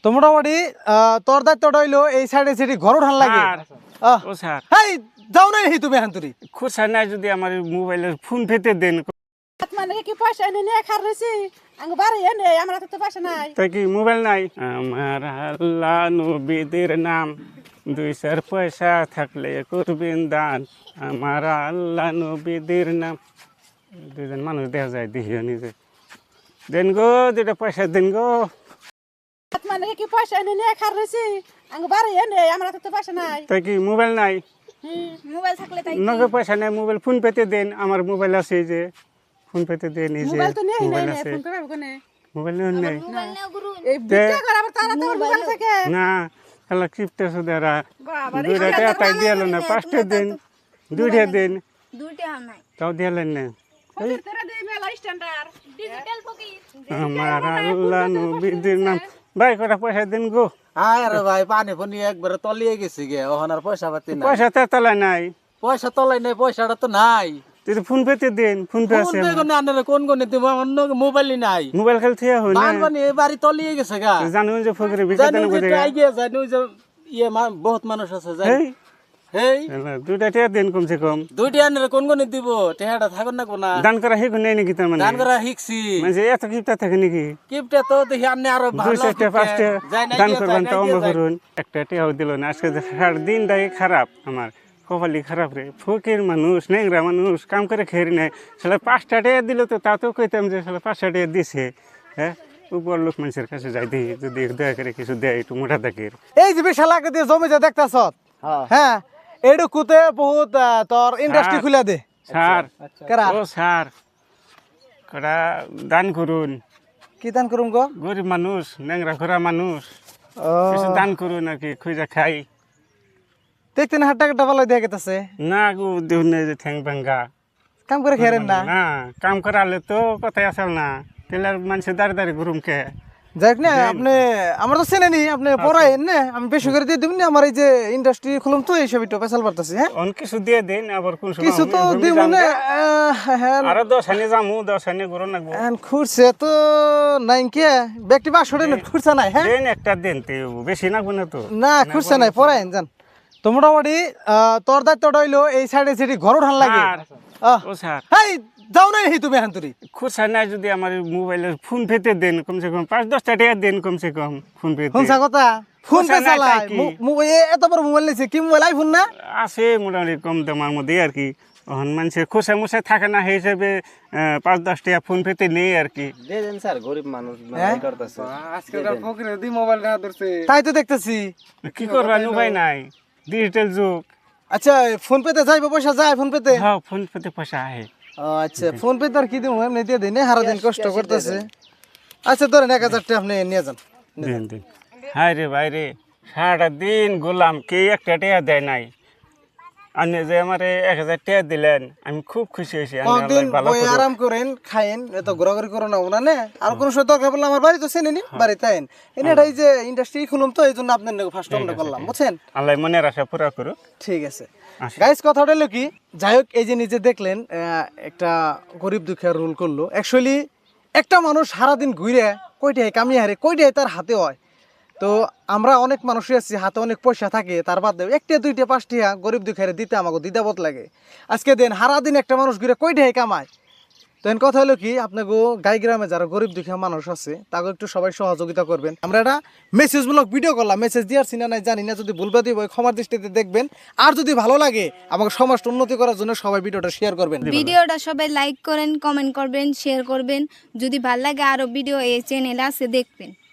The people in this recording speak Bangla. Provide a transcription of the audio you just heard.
তো মোটামুটি তোর দায়িত্বটা হইলো এই সাইডে সেটি ঘর উঠান লাগে। ও স্যার এই যাও না হি তুমি হান্তুরি খুশা নাই যদি আমার মোবাইলের ফোন পেতে দেন। মানে কি পয়সা এনে নিয়ে খার রয়েছি আঙ্গ বাড়ি এনে আমার হাতে তো পয়সা নাই। তাই কি মোবাইল নাই? আমার আল্লাহ নবীদের নাম, 2 পয়সা থাকলে করবেন দান। আমার আল্লাহ নবীদের নাম। দুজন মানুষ দেখা যায় দেখিও নিজে। দেন গো 2টা পয়সা দেন গো। মানে কি পয়সা এনে নিয়ে খার রয়েছি আঙ্গ বাড়ি এনে আমার হাতে তো পয়সা নাই। তাই কি মোবাইল নাই? মোবাইল থাকলে তাই নগদ পয়সা নাই, মোবাইল ফোন পেতে দেন। আমার মোবাইল আছে যে ফোন পেতে দেন। এই যে মোবাইল তো নেই মোবাইল নাই আছে, ফোন করব কোনে মোবাইল নেই। এই বিটা করে আবার তারা তো মোবাইল থাকে না খেলা কিপটে সুদারা বাবা রে 2টা টাকা তাই দিয়ালো না, 5টা দিন 2টা দিন দুইটা নাই তাও দিয়ালেন না। তেরা দেই মেলা স্ট্যান্ডার্ড ডিজিটাল ফকির আমার আল্লাহ নবীদের নাম। ভাই কটা পয়সা দেন গো। আরে ভাই পানি ফনি একবারে তলিয়ে গেছে গে, ওখানে আর পয়সা পাতি নাই। পয়সা তো তলায় নাই। পয়সা তলাই নাই, পয়সাটা তো নাই। তুই তো ফোন পেতে দেন, ফোন পে আছে। কোন কোন তুমি আমার মোবাইলই নাই। মোবাইল খেলতে হয় না, বান পানি এই বাড়ি তলিয়ে গেছে গা। জানো যে ফকিরে বিকা জানি দেন যে কোথায়। একটু আগে জানি যে বহুত মানুষ আছে জানি। এই হেই 2টা টাকা দেন কমসে কম। দুইটা আনলে কোন কোন দিব, টেহাটা থাকুন না কোনা। দান করা হেগো নেই নাকি? তার মানে দান করা শিখছি। মানে এত কিপটা থাকে নাকি? কিপটা তো দেখি আন্নে আরো ভালো 2-4টা 5টা দান করবেন তো অম্ব করুন। একটা টেহাও দিল না। আজকে দিনটাই খারাপ আমার, কপালি খারাপ রে। ফকির মানুষ, নেংরা মানুষ, কাম করে খেয়ে নেয়। সালা 5টা টাকা দিল তো তাতেও কইতাম যে সালা 5টা টাকা দিছে। হ্যাঁ উপর লোক মানুষের কাছে যাই দিই, যদি দয়া করে কিছু দেয় একটু মোটা দাগের। এই যে বিশাল আগে দিয়ে জমি যে দেখতাছ, হ্যাঁ এডুকুতে বহুত তোর ইন্ডাস্ট্রি খুলে দে স্যার কেরা। ও স্যার কটা দান করুন। কি দান করুম গো? গরিব মানুষ, নেংরা ঘোরা মানুষ, ও কিছু দান করুন আর কি, খুঁজা খাই। দেখতে না হাট টাকা ভালো দিয়ে গেতেছে, না গো দেখুন যে ঠ্যাং ভাঙ্গা কাম করে খেরেন না। না কাম করালে তো কথাই আসল না, তেলার মানুষের দাঁড়ি দাঁড়ি ঘুরুম কে। যাক না আপনি আমার তো চেনে নি, আপনি পড়াইন না, আমি বেশি করে দিয়ে দিবেন না। আমার এই যে ইন্ডাস্ট্রি খুলুম তো এইসব একটু পেশাল পারতেছি। হ্যাঁ অন কিছু দিয়ে দিন, আবার কোন সময় কিছু তো আমি দিব যাম না। গে। হ্যাঁ আরো 10 হানি যামু, 10 হানি ঘুরো নাকবো। খুঁড়ছে তো নাই কে ব্যক্তি বা সরে খুঁড়ছে নাই। হ্যাঁ দেন একটা দেন তে, বেশি নাকবো না তো। না খুঁড়ছে নাই, পড়াইন যান। তো মোটামুটি তোর দায়িত্বটা হইলো এই সাইডে সেটি ঘর উঠান লাগে। স্যার, ও স্যার এই যাও না হি তুমি হান্তুরি। খুশা নাই যদি আমার মোবাইলের ফোন পেতে দেন, কমসে কম 5-10টা টাকা দেন কমসে কম ফোন পেতে। ফোন কথা ফোন পে খুঁড়ছে নাই চালায় তাই কি? এত বড় মোবাইল নিয়েছে, কি মোবাইল আইফোন না? আছে মোটামুটি কম দামের মধ্যে আর কি। এখন মানুষের খোসা মোসা থাকে না, সেই হিসেবে 5-10 টাকা ফোন পেতে নেই আর কি। তাই তো দেখতেছি। কি করবেন উপায় নাই, ডিজিটাল যুগ। আচ্ছা ফোন পেতে যাইবে, পয়সা যায় ফোন পেতে? হ্যাঁ ফোন পেতে পয়সা আহে। আচ্ছা ফোন পেতে আর কি দিব, এমনি দিয়ে দিন, হারা দিন কষ্ট করতেছে। আচ্ছা ধরেন 1000 টাকা আপনি নিয়ে যান। দিন দিন। হায় রে ভাই রে, সারাটা দিন গোলাম, কে একটা টাকা দেয় নাই। আপনি যে আমার 1000 টাকা দিলেন, আমি খুব খুশি হয়েছি। কয়েকদিন বই আরাম করেন, খাইন, এত ঘোরাঘুরি করো না ওনা। আর কোনো সময় দরকার পড়লে আমার বাড়ি তো চেনে নি, বাড়িতে আইন। এটাই যে ইন্ডাস্ট্রি খুলুম তো এই জন্য আপনার ফার্স্ট টাইমটা করলাম, বুঝছেন? আল্লাহ মনের আশা পুরা করো। ঠিক আছে আচ্ছা। গাইস, কথাটা হলো কি, যাই হোক এই যে নিজে দেখলেন একটা গরিব দুঃখের রোল করলো। অ্যাকচুয়ালি একটা মানুষ সারাদিন ঘুরে কয়টায় কামিয়ে হারে, কয়টায় তার হাতে হয়। তো আমরা অনেক মানুষই আছি, হাতে অনেক পয়সা থাকে, তার বাদ দেয় 1টা 2টা 5টা গরিব দুঃখের দিতে আমাকে দ্বিধাবোধ লাগে। আজকে দেন সারাদিন একটা মানুষ ঘুরে কয়টায় কামায়। তো এর কথা হলো কি, আপনাকে গাই গ্রামে যারা গরিব দুঃখী মানুষ আছে তাকে একটু সবাই সহযোগিতা করবেন। আমরা একটা মেসেজমূলক ভিডিও করলাম, মেসেজ দিয়ার সিনা নাই জানি না, যদি ভুলবা দিব ক্ষমার দৃষ্টিতে দেখবেন। আর যদি ভালো লাগে আমাকে সমাজটা উন্নতি করার জন্য সবাই ভিডিওটা শেয়ার করবেন। ভিডিওটা সবাই লাইক করেন, কমেন্ট করবেন, শেয়ার করবেন। যদি ভালো লাগে আরো ভিডিও এই চ্যানেলে আছে দেখবেন।